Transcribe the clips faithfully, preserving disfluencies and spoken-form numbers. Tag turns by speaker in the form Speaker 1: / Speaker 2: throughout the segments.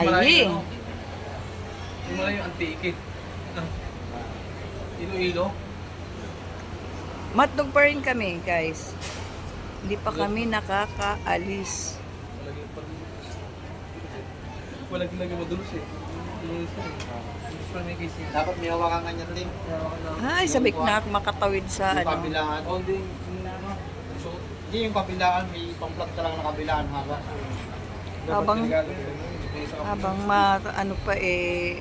Speaker 1: Ay.
Speaker 2: Yung malayo yung antique. Ilo-ilo.
Speaker 1: Matnog pa rin kami, guys. Hindi pa kami nakakaalis.
Speaker 2: Walang lagi madulos eh. Madulos eh. Madulos pa may case niya.
Speaker 3: Dapat may hawakan kanya rin.
Speaker 1: Ay, sabik na makatawid sa
Speaker 3: Yung
Speaker 1: ano.
Speaker 3: kabilaan.
Speaker 2: All day. ano, So,
Speaker 3: Hindi yung kabilaan, may pang-plug ka lang na kabilaan haba.
Speaker 2: dapat
Speaker 1: Habang-
Speaker 2: delikado, eh. Sa-
Speaker 1: Habang ma, ano pa eh,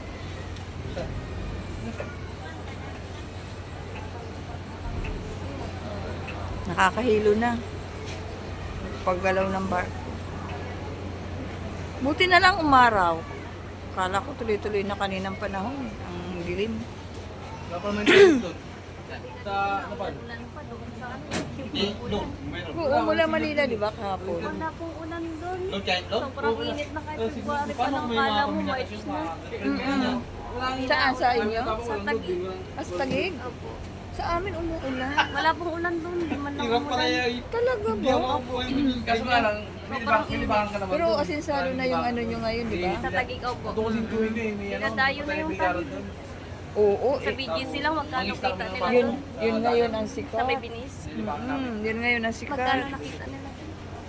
Speaker 1: nakakahilo na. Paggalaw ng bar. Buti na lang umaraw. Kala ko tuloy-tuloy na kaninang panahon. Ang dilim.
Speaker 2: Wala pa naman yung doon. Sa, ano pa?
Speaker 3: Hindi, no. Mayroon.
Speaker 1: Oo, mula Manila, di ba, kahapon?
Speaker 4: Wala pong ulan doon.
Speaker 3: No, kahit no?
Speaker 4: Sobrang init na kahit
Speaker 2: Eh,
Speaker 4: February pa
Speaker 3: Paano
Speaker 4: lang.
Speaker 3: may
Speaker 4: Kala
Speaker 3: mga
Speaker 4: mo
Speaker 3: kombinasyon
Speaker 4: March
Speaker 3: sa...
Speaker 4: na.
Speaker 1: Mm-mm. Saan? Sa inyo?
Speaker 4: Sa Taguig.
Speaker 1: As Taguig?
Speaker 4: Opo.
Speaker 1: Sa amin umuulan.
Speaker 4: Wala pong ulan doon. Di man lang
Speaker 3: Hirap pala
Speaker 4: umulan.
Speaker 3: yung...
Speaker 1: Talaga
Speaker 3: Hindi
Speaker 1: ba?
Speaker 3: ako po yung...
Speaker 2: Kaso nga lang, nilibang, nilibangan ka naman
Speaker 1: Pero
Speaker 2: doon.
Speaker 1: asinsado na yung ano nyo ngayon, di ba?
Speaker 4: Sa Taguig, opo.
Speaker 2: Ito kasi tuwing ko eh. May ano,
Speaker 4: Dinadayo na yung
Speaker 2: bilyaro
Speaker 4: Taguig.
Speaker 2: doon.
Speaker 1: Oo,
Speaker 4: Sa
Speaker 1: eh,
Speaker 4: B G C lang, magkano kita nila
Speaker 1: yun,
Speaker 4: doon?
Speaker 1: yun ngayon ang
Speaker 4: Sa
Speaker 1: sikat.
Speaker 4: may binis.
Speaker 1: Mm, yun ngayon ang
Speaker 4: Magkano
Speaker 1: sikat.
Speaker 4: nakita nila doon?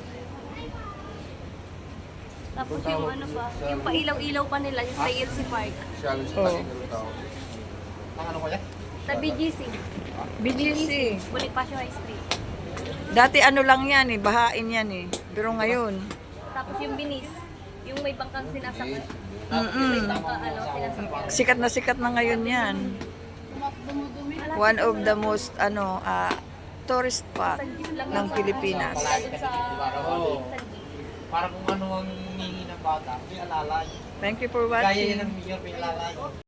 Speaker 4: Tapos yung ano pa, yung pailaw-ilaw pa nila, yung sa L C Park.
Speaker 1: Oh.
Speaker 3: Ang ano kaya?
Speaker 4: Sa B G C.
Speaker 1: B G C.
Speaker 4: Bonifacio High Street.
Speaker 1: Dati ano lang yan eh, bahain yan eh. Pero ngayon,
Speaker 4: Tapos yung binis, yung may bangkang sinasakay.
Speaker 1: mm
Speaker 4: May bangka, ano, sinasakay.
Speaker 1: sikat na sikat na ngayon yan. One of the most ano ah, tourist spot ng Pilipinas.
Speaker 4: Doon sa
Speaker 3: Oo.
Speaker 4: San Gil.
Speaker 3: Para kung ano ang ningi ng bata, may alalay.
Speaker 1: Thank you for
Speaker 3: Kaya yan
Speaker 1: watching.
Speaker 3: ang mayor, may alalay.